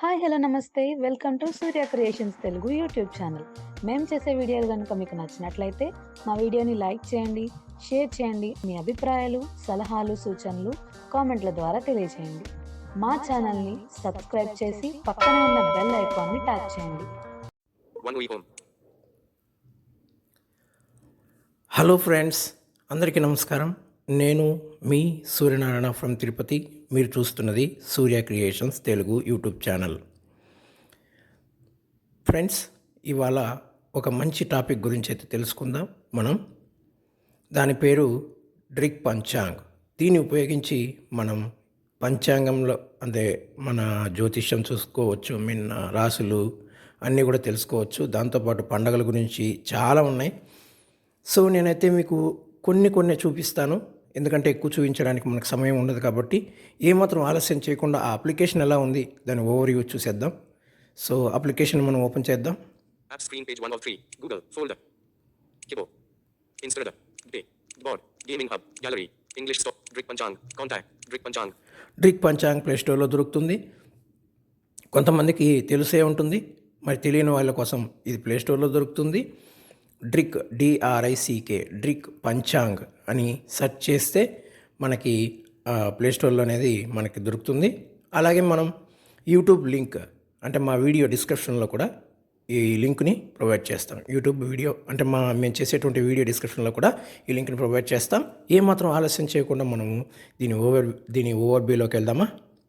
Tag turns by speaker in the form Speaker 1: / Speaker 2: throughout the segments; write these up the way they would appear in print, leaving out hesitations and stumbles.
Speaker 1: Hi! Hello! నమస్తే. Welcome to Surya creations Telugu YouTube channel. మేము చేసే వీడియోలు గనుక మీకు నచ్చినట్లయితే మా వీడియోని లైక్ చేయండి, షేర్ చేయండి. మీ అభిప్రాయాలు, సలహాలు, సూచనలు కామెంట్ల ద్వారా తెలియజేయండి. మా ఛానల్‌ని సబ్స్క్రైబ్ చేసి పక్కనే ఉన్న బెల్ ఐకాన్‌ని ట్యాప్ చేయండి.
Speaker 2: One week home.
Speaker 3: Hello friends, అందరికీ నమస్కారం. నేను మీ సూర్యనారాయణ ఫ్రమ్ తిరుపతి. మీరు చూస్తున్నది Surya creations Telugu YouTube channel. Friends, ఇవాళ ఒక మంచి టాపిక్ గురించి అయితే తెలుసుకుందాం మనం. దాని పేరు డ్రిక్ పంచాంగ్. దీన్ని ఉపయోగించి మనం పంచాంగంలో అంటే మన జ్యోతిష్యం చూసుకోవచ్చు, రాసులు అన్నీ కూడా తెలుసుకోవచ్చు. దాంతోపాటు పండగల గురించి చాలా ఉన్నాయి. సో నేనైతే మీకు కొన్ని చూపిస్తాను, ఎందుకంటే ఎక్కువ చూపించడానికి మనకు సమయం ఉండదు. కాబట్టి ఏమాత్రం ఆలస్యం చేయకుండా ఆ అప్లికేషన్ ఎలా ఉంది దాని ఓవర్వ్యూ చూసేద్దాం. సో అప్లికేషన్ మనం ఓపెన్ చేద్దాం.
Speaker 2: App screen page 1 of 3. Google. Folder. Keyboard. Installer. Day. Board. Gaming hub. Gallery. English store. Drik Panchang. Contact. Drik Panchang.
Speaker 3: Drik Panchang play స్టోర్లో దొరుకుతుంది. కొంతమందికి తెలిసే ఉంటుంది, మరి తెలియని వాళ్ళ కోసం ఇది ప్లే స్టోర్లో దొరుకుతుంది. డ్రిక్ DRICK డ్రిక్ పంచాంగ్ అని సెర్చ్ చేస్తే మనకి ప్లే స్టోర్లో అనేది మనకి దొరుకుతుంది. అలాగే మనం యూట్యూబ్ లింక్ అంటే మా వీడియో డిస్క్రిప్షన్లో కూడా ఈ లింక్ని ప్రొవైడ్ చేస్తాం. యూట్యూబ్ వీడియో అంటే మేము చేసేటువంటి వీడియో డిస్క్రిప్షన్లో కూడా ఈ లింక్ని ప్రొవైడ్ చేస్తాం. ఏమాత్రం ఆలస్యం చేయకుండా మనము దీని ఓవర్వ్యూలోకి వెళ్దామా.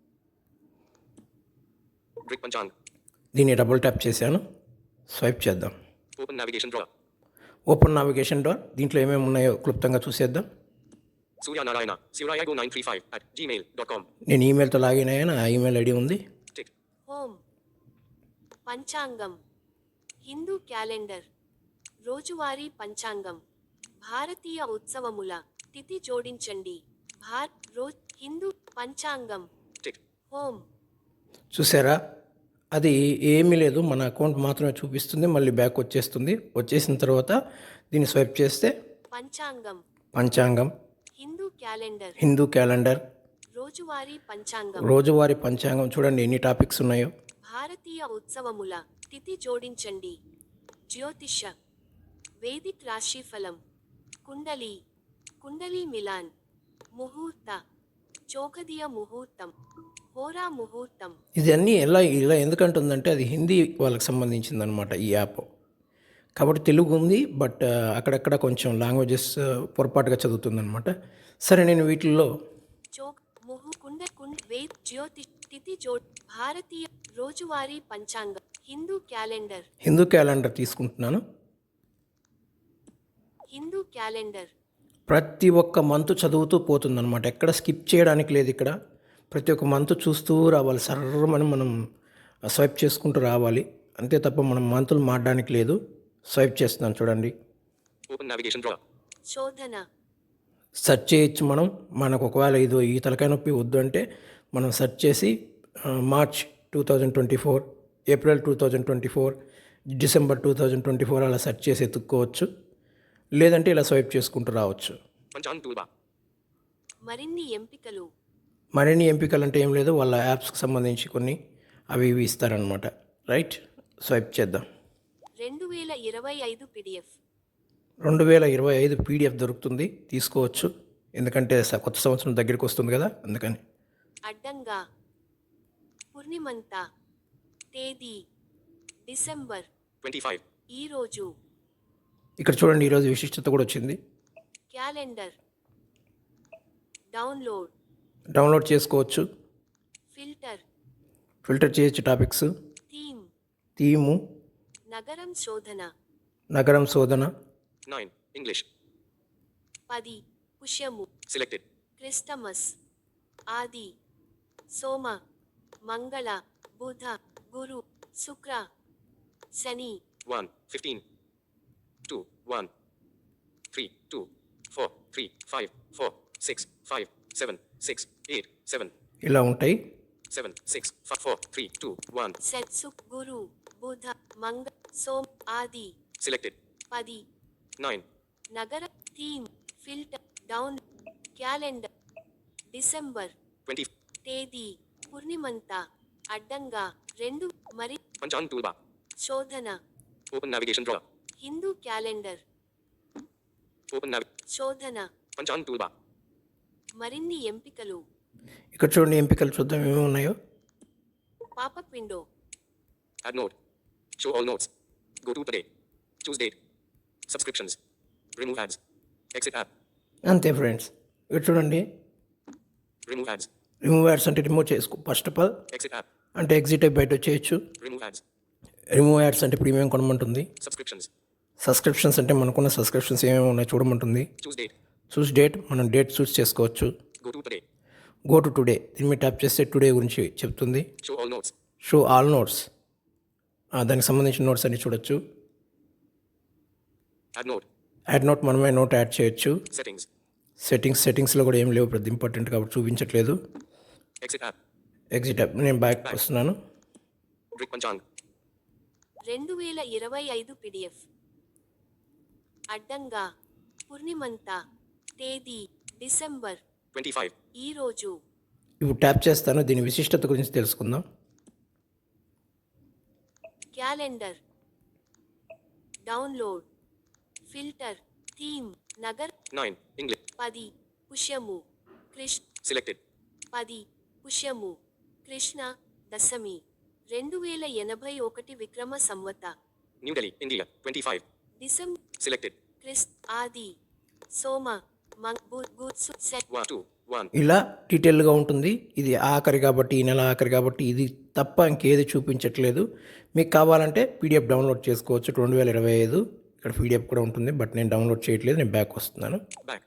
Speaker 2: Drik Panchang.
Speaker 3: దీన్ని డబుల్ ట్యాప్ చేశాను, స్వైప్ చేద్దాం.
Speaker 2: Open navigation drawer.
Speaker 3: Open navigation door. దీంట్లో ఏమేమి ఉన్నాయో క్లుప్తంగా చూసేద్దాం.
Speaker 2: Surya Narayana. suryago935@gmail.com.
Speaker 3: నేను ఈమెయిల్తో లాగిన్ అయ్యాను, ఆ ఈమెయిల్ ఐడి ఉంది.
Speaker 2: Tick.
Speaker 4: హోమ్ పంచాంగం హిందూ క్యాలెండర్ రోజువారీ పంచాంగం భారతీయ ఉత్సవముల తిథి జోడించండి హిందూ పంచాంగం
Speaker 2: Tick.
Speaker 4: హోమ్
Speaker 3: చూసారా, అది ఏమీ లేదు, మన అకౌంట్ మాత్రమే చూపిస్తుంది. మళ్ళీ బ్యాక్ వచ్చేసిన తర్వాత దీన్ని స్వైప్ చేస్తే
Speaker 4: పంచాంగం
Speaker 3: పంచాంగం,
Speaker 4: హిందూ క్యాలెండర్
Speaker 3: రోజువారీ పంచాంగం చూడండి ఎన్ని టాపిక్స్ ఉన్నాయో.
Speaker 4: భారతీయ ఉత్సవముల తిథి జోడించండి, జ్యోతిష, వేదిక్ రాశిఫలం, కుండలి మిలాన్, ముహూర్త, చోకదియ ముహూర్తం, హోరా ముహూర్తం.
Speaker 3: ఇది అన్నీ ఇలా ఎందుకంటుందంటే అది హిందీ వాళ్ళకి సంబంధించింది అనమాట ఈ యాప్. కాబట్టి తెలుగు ఉంది, బట్ అక్కడక్కడ కొంచెం లాంగ్వేజెస్ పొరపాటుగా చదువుతుందనమాట. సరే, నేను వీటిల్లో
Speaker 4: భారతీయ రోజువారీ పంచాంగం
Speaker 3: హిందూ క్యాలెండర్ తీసుకుంటున్నాను.
Speaker 4: హిందూ క్యాలెండర్
Speaker 3: ప్రతి ఒక్క మంత్ చదువుతూ పోతుందన్నమాట, ఎక్కడ స్కిప్ చేయడానికి లేదు. ఇక్కడ ప్రతి ఒక్క మంత్ చూస్తూ రావాలి, సర్రమని మనం స్వైప్ చేసుకుంటూ రావాలి, అంతే తప్ప మనం మంతులు మారడానికి లేదు. స్వైప్ చేస్తున్నాను చూడండి.
Speaker 2: Open navigation drawer.
Speaker 4: శోధన
Speaker 3: సెర్చ్ చేయొచ్చు మనం. మనకు ఒకవేళ ఈ తలకాయ నొప్పి వద్దు అంటే మనం సెర్చ్ చేసి మార్చ్ 2024, ఏప్రిల్ 2024, డిసెంబర్ 2024 అలా సెర్చ్ చేసి ఎత్తుక్కోవచ్చు. లేదంటే ఇలా స్వైప్ చేసుకుంటూ రావచ్చు.
Speaker 2: Panchang toolbar.
Speaker 4: మరిన్ని
Speaker 3: ఎంపికలు అంటే ఏం లేదు, వాళ్ళ యాప్స్కి సంబంధించి కొన్ని అవి ఇస్తారనమాట. రైట్, స్వైప్ చేద్దాం.
Speaker 4: 2025
Speaker 3: PDF దొరుకుతుంది, తీసుకోవచ్చు. ఎందుకంటే కొత్త సంవత్సరం దగ్గరికి వస్తుంది కదా, అందుకని.
Speaker 4: అడ్డంగా పూర్ణిమంత తేదీ డిసెంబర్
Speaker 2: 25.
Speaker 4: ఈరోజు.
Speaker 3: ఇక్కడ చూడండి, ఈరోజు విశిష్టత కూడా వచ్చింది.
Speaker 4: క్యాలెండర్ డౌన్లోడ్
Speaker 3: చేసుకోవచ్చు. ఫిల్టర్ చేయొచ్చు టాపిక్స్. థీము నగరం శోధన
Speaker 2: 9. English.
Speaker 4: 10 పుష్యము
Speaker 2: Selected.
Speaker 4: క్రిస్టమస్ ఆది సోమ మంగళ బుధ గురు శుక్ర శని
Speaker 2: 1. 15. 2. 1. 3. 2. 4. 3. 5. 4. 6. 5. 7. 6. 8. 7.
Speaker 3: ఇలా ఉంటాయి.
Speaker 2: 7. 6. 5. 4. 3. 2. 1.
Speaker 4: సెట్ గురు బుధ మంగ సోమ ఆది.
Speaker 2: Selected.
Speaker 4: 10
Speaker 2: 9.
Speaker 4: నగర theme filter down calendar December
Speaker 2: 20.
Speaker 4: తేదీ పూర్ణిమంత అడ్డంగా 2 మరి
Speaker 2: Panchang toolbar.
Speaker 4: శోధన
Speaker 2: Open navigation drawer.
Speaker 4: Hindu calendar
Speaker 2: Open
Speaker 4: శోధన
Speaker 2: Panchang toolbar.
Speaker 4: మరిన్ని ఎంపికలు
Speaker 3: ఇక్కడ చూడండి ఎంపికలు చూద్దాం ఏమేమి ఉన్నాయో.
Speaker 4: Popup window
Speaker 2: Add note. Show all notes. Go to today. Choose date. Subscriptions. Remove ads. Exit app.
Speaker 3: అంతే ఫ్రెండ్స్. ఇక్కడ చూడండి
Speaker 2: Remove ads.
Speaker 3: రిమూవ్ యాడ్స్ అంటే రిమూవ్ చేసుకో. First of all
Speaker 2: Exit app.
Speaker 3: అంటే ఎగ్జిట్ అయి బయట వచ్చేయచ్చు.
Speaker 2: Remove ads.
Speaker 3: రిమూవ్ యాడ్స్ అంటే ప్రీమియం కొనమంటుంది.
Speaker 2: Subscriptions.
Speaker 3: సబ్స్క్రిప్షన్స్ అంటే మనకున్న సబ్స్క్రిప్షన్స్ ఏమేమి ఉన్నాయో చూడమంటుంది.
Speaker 2: Choose date.
Speaker 3: చూస్ డేట్, మనం డేట్ చూస్ చేసుకోవచ్చు.
Speaker 2: Go to today.
Speaker 3: Go to today, దీని మీద ట్యాప్ చేస్తే టుడే గురించి చెప్తుంది.
Speaker 2: Show all notes.
Speaker 3: Show all notes, దానికి సంబంధించిన నోట్స్ అన్ని చూడొచ్చు.
Speaker 2: Add note.
Speaker 3: యాడ్ నోట్, మనమే నోట్ యాడ్ చేయొచ్చు.
Speaker 2: Settings.
Speaker 3: సెట్టింగ్స్లో కూడా ఏం లేవు, పెద్ద ఇంపార్టెంట్ కాబట్టి చూపించట్లేదు.
Speaker 2: Exit app.
Speaker 3: ఎగ్జిట్ యాప్, నేను బ్యాక్ వస్తున్నాను.
Speaker 2: Drick Panchang.
Speaker 4: 2025 PDF అడ్డంగా పూర్ణిమంతా తేదీ డిసెంబర్
Speaker 2: 25.
Speaker 4: ఈరోజు
Speaker 3: ఇప్పుడు ట్యాప్ చేస్తాను, దీని విశిష్టత గురించి తెలుసుకుందాం.
Speaker 4: క్యాలెండర్ డౌన్లోడ్ ఫిల్టర్ థీమ్ నగర్
Speaker 2: 9. English.
Speaker 4: 10 పుష్యము కృష్ణ
Speaker 2: Selected.
Speaker 4: 10 పుష్యము కృష్ణ దశమి 2081 Vikram Samvat
Speaker 2: New Delhi, India. 25.
Speaker 4: December
Speaker 2: Selected.
Speaker 4: క్రిస్ ఆది సోమ మంగ్ గుడ్
Speaker 2: 1, 2, 1.
Speaker 3: ఇలా డీటెయిల్గా ఉంటుంది. ఇది ఆఖరి కాబట్టి, ఈ నెల ఆఖరి కాబట్టి ఇది తప్ప ఇంకేది చూపించట్లేదు. మీకు కావాలంటే పీడిఎఫ్ డౌన్లోడ్ చేసుకోవచ్చు. 2025 ఇక్కడ పీడిఎఫ్ కూడా ఉంటుంది, బట్ నేను డౌన్లోడ్ చేయట్లేదు. నేను బ్యాక్ వస్తున్నాను.
Speaker 2: Back.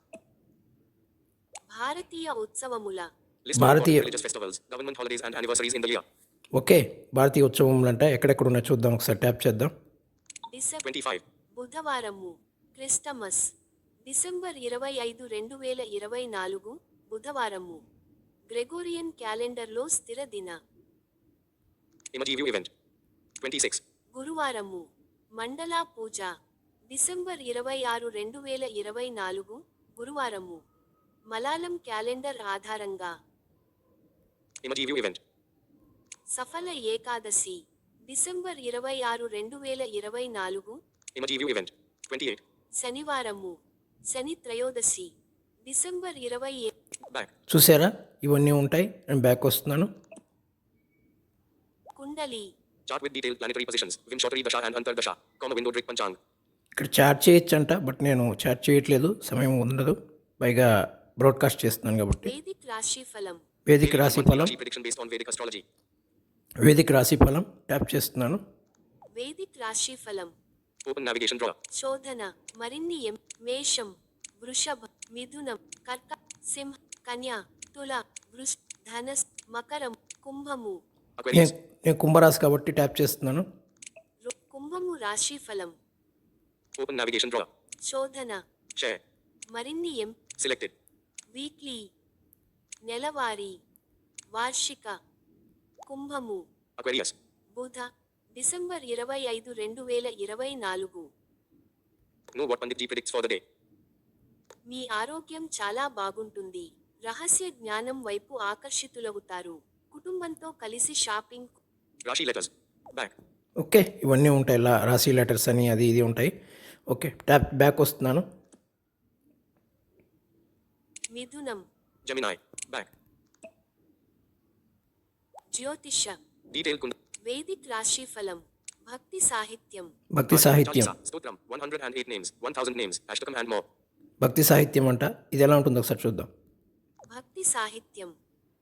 Speaker 4: భారతీయ ఉత్సవముల
Speaker 2: List of
Speaker 3: Bharatiya-
Speaker 2: important religious festivals, government holidays and anniversaries in the year.
Speaker 3: Okay, భారతీయ ఉత్సవములు అంటే ఎక్కడెక్కడ ఉన్నాయో చూద్దాం. ఒకసారి ట్యాప్ చేద్దాం.
Speaker 4: డిసెంబర్
Speaker 2: 25.
Speaker 4: బుధవారము క్రిస్టమస్ డిసెంబర్ 25 2024 బుధవారము గ్రెగోరియన్ క్యాలెండర్లో స్థిర దిన
Speaker 2: Emoji view event. 26.
Speaker 4: గురువారము మండలా పూజ డిసెంబర్ 26 2024 గురువారము మలాలం క్యాలెండర్ ఆధారంగా
Speaker 2: Emoji view event.
Speaker 4: సఫల ఏకాదశి డిసెంబర్ 26 2024
Speaker 2: Emoji view event. 28.
Speaker 4: శనివారము శని త్రయోదశి డిసెంబర్ 27
Speaker 2: Back.
Speaker 3: చూసారా, ఇవన్నీ ఉంటాయి. నేను బ్యాక్ వస్తున్నాను.
Speaker 4: కుండలి
Speaker 2: Chart with detailed planetary positions. Vimshottari Dasha and Antar Dasha. Window Drick Panchang.
Speaker 3: ఇక్కడ చాట్ చేయొచ్చంట, బట్ నేను చాట్ చేయట్లేదు, సమయం ఉండదు. పైగా బ్రాడ్కాస్ట్ చేస్తున్నాను కాబట్టి.
Speaker 4: వేదిక్ రాశి ఫలం
Speaker 3: వేదిక రాశి ఫలం,
Speaker 2: Rashi prediction based on Vedic astrology.
Speaker 3: వేదిక రాశి ఫలం ట్యాప్ చేస్తున్నాను.
Speaker 4: వేదిక్ రాశి ఫలం
Speaker 2: Open navigation drawer.
Speaker 4: శోధన మరిన్ని మేషం వృషభ మిథునం కర్క సింహ కన్య తుల వృష్ ధనస్ మకరం కుంభము
Speaker 2: Aquarius.
Speaker 3: నేను కుంభరాశి కాబట్టి ట్యాప్ చేస్తున్నాను.
Speaker 4: కుంభము రాశి ఫలం
Speaker 2: Open navigation drawer.
Speaker 4: శోధన
Speaker 2: Share.
Speaker 4: మరిన్ని
Speaker 2: Selected.
Speaker 4: వీక్లీ నెలవారీ వార్షిక కుంభము
Speaker 2: Aquarius.
Speaker 4: బుధ December 25 2024
Speaker 2: Know what Pandit Ji predicts for the day.
Speaker 4: మీ ఆరోగ్యం చాలా బాగుంటుంది. రహస్య జ్ఞానం వైపు ఆకర్షితులవుతారు. కుటుంబంతో కలిసి shopping
Speaker 2: Rashi letters. Back.
Speaker 3: Okay, ఇవన్నీ ఉంటాయి. రాశి లెటర్స్ అని అది ఇది ఉంటాయి. ఓకే, ట్యాప్ బ్యాక్ వస్తున్నాను.
Speaker 4: మిథునం
Speaker 2: Gemini. Back.
Speaker 4: జ్యోతిష
Speaker 2: Detailed Kund.
Speaker 4: వేదిక్ రాశి ఫలం భక్తి సాహిత్యం
Speaker 3: భక్తి సాహిత్యం,
Speaker 2: Chalisa. Stotram. 108 names. 1000 names. Ashtakam and more.
Speaker 3: భక్తి సాహిత్యం అంట. ఇది ఎలా ఉంటుందో ఒకసారి చూద్దాం.
Speaker 4: భక్తి సాహిత్యం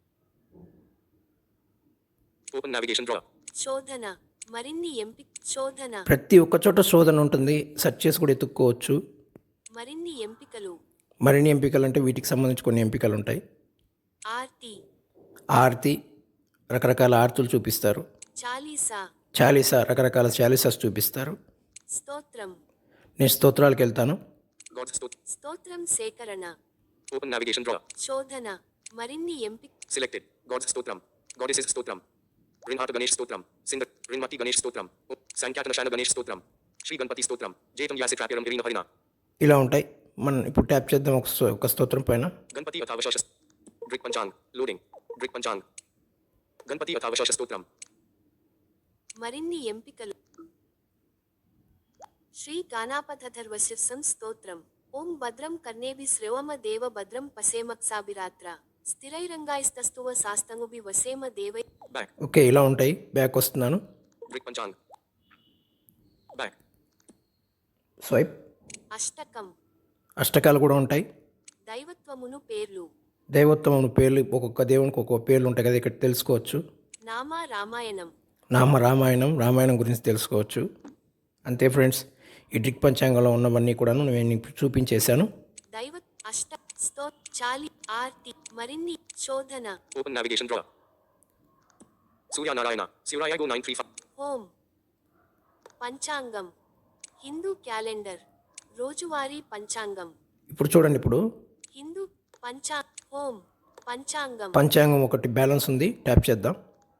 Speaker 2: Open navigation drawer.
Speaker 4: శోధన మరిన్ని శోధన
Speaker 3: ప్రతి ఒక్క చోట శోధన ఉంటుంది, సెర్చ్ చేసి కూడా ఎత్తుక్కోవచ్చు.
Speaker 4: మరిన్ని ఎంపికలు
Speaker 3: మరిన్ని ఎంపికలు అంటే వీటికి సంబంధించి కొన్ని ఎంపికలు ఉంటాయి.
Speaker 4: ఆర్తి
Speaker 3: ఆర్తి, రకరకాల ఆర్తులు చూపిస్తారు.
Speaker 4: చాలీసా
Speaker 3: చాలీసా, రకరకాల చాలీసాస్ చూపిస్తారు.
Speaker 4: స్తోత్రం
Speaker 3: నేను స్తోత్రాలకు వెళ్తాను.
Speaker 2: God's
Speaker 4: స్తోత్రం సేకరణ
Speaker 2: Open navigation drawer.
Speaker 4: శోధన మరిన్ని
Speaker 2: Selected. God's Stotram. Goddesses Stotram. Rinhata Ganesh Stotram. Sindar. Rinmati Ganesh Stotram. Sankatana Ganesh Stotram. Shri Ganpati Stotram. Jetam Yasitrapiram Irina Harina.
Speaker 3: ఇలా ఉంటాయి. మనం ఇప్పుడు ట్యాప్ చేద్దాం ఒక స్తోత్రం పైన.
Speaker 2: Ganpati Athavashashas. Drick Panchang. Loading. Drick Panchang. Ganpati Athavashasha Stotram.
Speaker 4: మరిన్ని ఎంపికలు శ్రీ గానాపథర్వశిర్సం స్తోత్రం ఓం భద్రం కర్ణేభి శ్రవమ దేవ భద్రం పసేమక్సాభిరాత్ర స్థిరైరంగాయస్తస్తువ శాస్తంగుభి వసేమ దేవై
Speaker 2: Back.
Speaker 3: ఓకే, ఇలా ఉంటాయి. బ్యాక్ వస్తున్నాను.
Speaker 2: Drik Panchang. Back.
Speaker 3: స్వైప్.
Speaker 4: అష్టకం
Speaker 3: అష్టకాలు కూడా ఉంటాయి.
Speaker 4: దైవత్వమును పేర్లు
Speaker 3: దైవత్వం పేర్లు, ఒక్కొక్క దేవునికి ఒక్కొక్క పేర్లు ఉంటాయి కదా, ఇక్కడ తెలుసుకోవచ్చు.
Speaker 4: నామ రామాయణం
Speaker 3: రామాయణం గురించి తెలుసుకోవచ్చు. అంతే ఫ్రెండ్స్, ఈ డ్రిక్ పంచాంగంలో ఉన్నవన్నీ కూడాను నేను మీకు చూపించేశాను.
Speaker 4: దైవ అష్ట స్తో చాలి ఆర్తి మరిన్ని శోధన
Speaker 2: Open navigation drawer. Surya Narayana. Surya Go 935.
Speaker 4: Home పంచాంగం హిందూ క్యాలెండర్ రోజువారీ పంచాంగం
Speaker 3: ఇప్పుడు చూడండి, ఇప్పుడు
Speaker 4: హిందూ హోం పంచాంగం
Speaker 3: పంచాంగం ఒకటి బ్యాలెన్స్ ఉంది, ట్యాప్ చేద్దాం.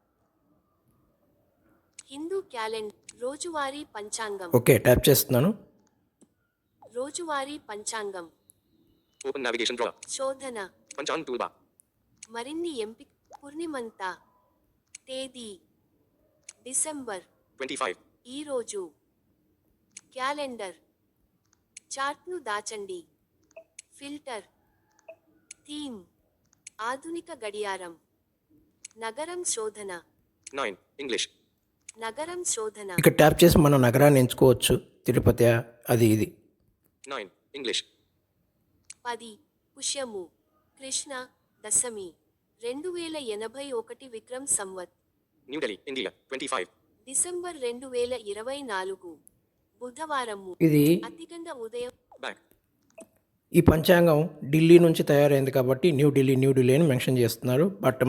Speaker 4: హిందూ క్యాలెండర్ రోజువారీ పంచాంగం
Speaker 3: ఓకే, ట్యాప్ చేస్తున్నాను.
Speaker 4: రోజువారీ పంచాంగం
Speaker 2: Open navigation drawer.
Speaker 4: శోధన
Speaker 2: Panchang toolbar.
Speaker 4: మరిన్ని ఎంపిక పూర్ణిమంత తేదీ డిసెంబర్
Speaker 2: 25.
Speaker 4: ఈరోజు క్యాలెండర్ చార్ట్ను దాచండి ఫిల్టర్ థీమ్ ఆధునిక గడియారం నగరం శోధన
Speaker 2: 9. English.
Speaker 4: నగరం శోధన
Speaker 3: ఇక్కడ ట్యాప్ చేసి మన నగరాన్ని ఎంచుకోవచ్చు. తిరుపతి, అది ఇది.
Speaker 2: 9. English.
Speaker 4: 10 పుష్యము కృష్ణ దశమి 2081 Vikram Samvat
Speaker 2: New Delhi, India. 25.
Speaker 4: December 2024 బుధవారము
Speaker 3: ఇది
Speaker 4: అతిగండ ఉదయం
Speaker 2: Back.
Speaker 3: ఈ పంచాంగం ఢిల్లీ నుంచి తయారైంది కాబట్టి న్యూ ఢిల్లీ అని మెన్షన్ చేస్తున్నారు. బట్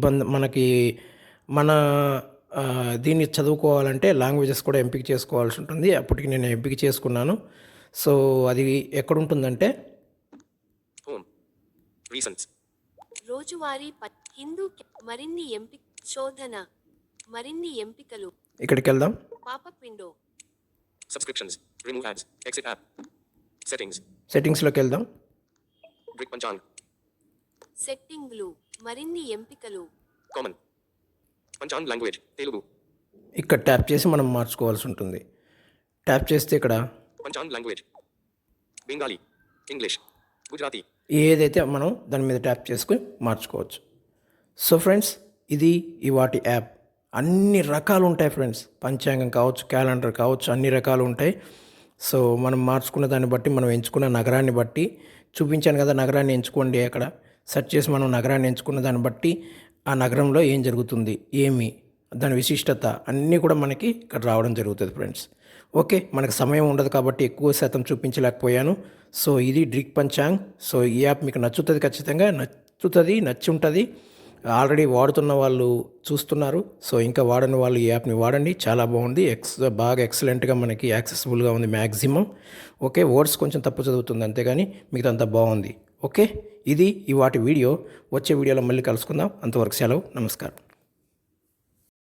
Speaker 3: మన దీన్ని చదువుకోవాలంటే లాంగ్వేజెస్ కూడా ఎంపిక చేసుకోవాల్సి ఉంటుంది. అప్పటికి నేను ఎంపిక చేసుకున్నాను. సో అది ఎక్కడుంటుందంటే
Speaker 2: Home. Recents.
Speaker 4: రోజువారీ హిందూ మరిన్ని ఎంపిక శోధన మరిన్ని ఎంపికలు
Speaker 3: ఇక్కడికి వెళ్దాం.
Speaker 4: Popup window
Speaker 2: Subscriptions. Remove ads. Exit app. Settings.
Speaker 3: సెట్టింగ్స్లోకి వెళ్దాం.
Speaker 2: Drik Panchang.
Speaker 4: సెట్టింగ్లు మరిన్ని ఎంపికలు
Speaker 2: Common. Panchang language. Telugu.
Speaker 3: ఇక్కడ ట్యాప్ చేసి మనం మార్చుకోవాల్సి ఉంటుంది. ట్యాప్ చేస్తే ఇక్కడ
Speaker 2: Panchang language. Bengali. English. Gujarati.
Speaker 3: ఏదైతే మనం దాని మీద ట్యాప్ చేసుకుని మార్చుకోవచ్చు. సో ఫ్రెండ్స్, ఇది వాటి యాప్. అన్ని రకాలు ఉంటాయి ఫ్రెండ్స్. పంచాంగం కావచ్చు, క్యాలెండర్ కావచ్చు, అన్ని రకాలు ఉంటాయి. సో మనం మార్చుకున్న దాన్ని బట్టి, మనం ఎంచుకున్న నగరాన్ని బట్టి, చూపించాను కదా, నగరాన్ని ఎంచుకోండి. అక్కడ సెర్చ్ చేసి మనం నగరాన్ని ఎంచుకున్న దాన్ని బట్టి ఆ నగరంలో ఏం జరుగుతుంది, దాని విశిష్టత అన్నీ కూడా మనకి ఇక్కడ రావడం జరుగుతుంది ఫ్రెండ్స్. ఓకే, మనకు సమయం ఉండదు కాబట్టి ఎక్కువ శాతం చూపించలేకపోయాను. సో ఇది డ్రిక్ పంచాంగ్. సో ఈ యాప్ మీకు నచ్చుతుంది, ఖచ్చితంగా నచ్చి ఉంటుంది. ఆల్రెడీ వాడుతున్న వాళ్ళు చూస్తున్నారు. సో ఇంకా వాడని వాళ్ళు ఈ యాప్ని వాడండి, చాలా బాగుంది. బాగా ఎక్సలెంట్గా మనకి యాక్సెసిబుల్గా ఉంది మ్యాక్సిమం. ఓకే, వర్డ్స్ కొంచెం తప్పు చదువుతుంది అంతేగాని మిగతా అంతా బాగుంది. ఓకే, ఇది వాటి వీడియో. వచ్చే వీడియోలో మళ్ళీ కలుసుకుందాం. అంతవరకు సెలవు, నమస్కారం.